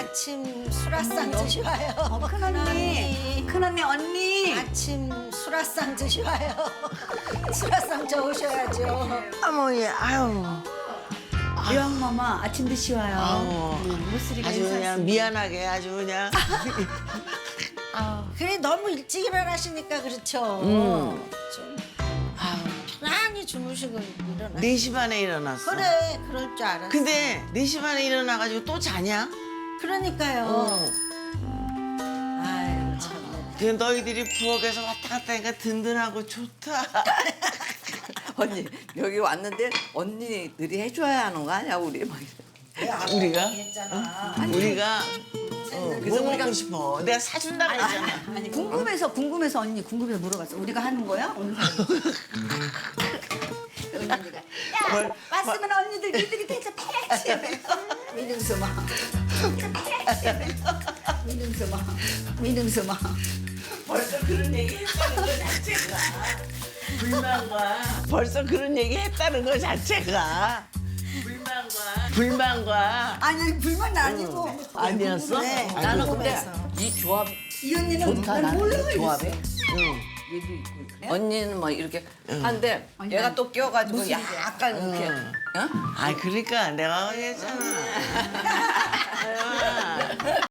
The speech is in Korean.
아침 수라상 드셔요. 큰언니 언니. 아침 수라상 드셔요. 수라상 저으셔야죠. 어머니, 아유. 유황마마 아침 드시 와요. 아우. 무스리가 아주 그냥 미안하게 아주 그냥. 그래 너무 일찍 일어나시니까 그렇죠. 좀 편안히 주무시고 일어나. 4시 반에 일어났어. 그래 그럴 줄 알았어. 근데 4시 반에 일어나가지고 또 자냐? 그러니까요. 아유 참. 그 너희들이 부엌에서 왔다 갔다 하니까 든든하고 좋다. 언니 여기 왔는데 언니들이 해줘야 하는 거 아니야 우리 막 이래. 우리가? 우리가 그래서 뭐 우리가- 먹고 싶어. 내가 사준다 그랬잖아. 아니 궁금해서 언니 궁금해서 물어봤어. 우리가 하는 거야 오늘 하는 거. 언니가 야 왔으면 언니들 니들이 대체 패치. 민웅수마. 민웅수마. 벌써 그런 얘기 했다는 거 자체가 불만과 벌써 그런 얘기 했다는 거 자체가 불만과 아니 불만 아니고. 아니었어? 네. 아니, 나는 근데 이 조합 이 언니는 좋다 난 나는 몰라요. 이 조합에 응. 언니는 막 이렇게 한데 얘가 또 껴가지고 약간 이렇게 어? 아 그러니까 내가 얘기했잖아.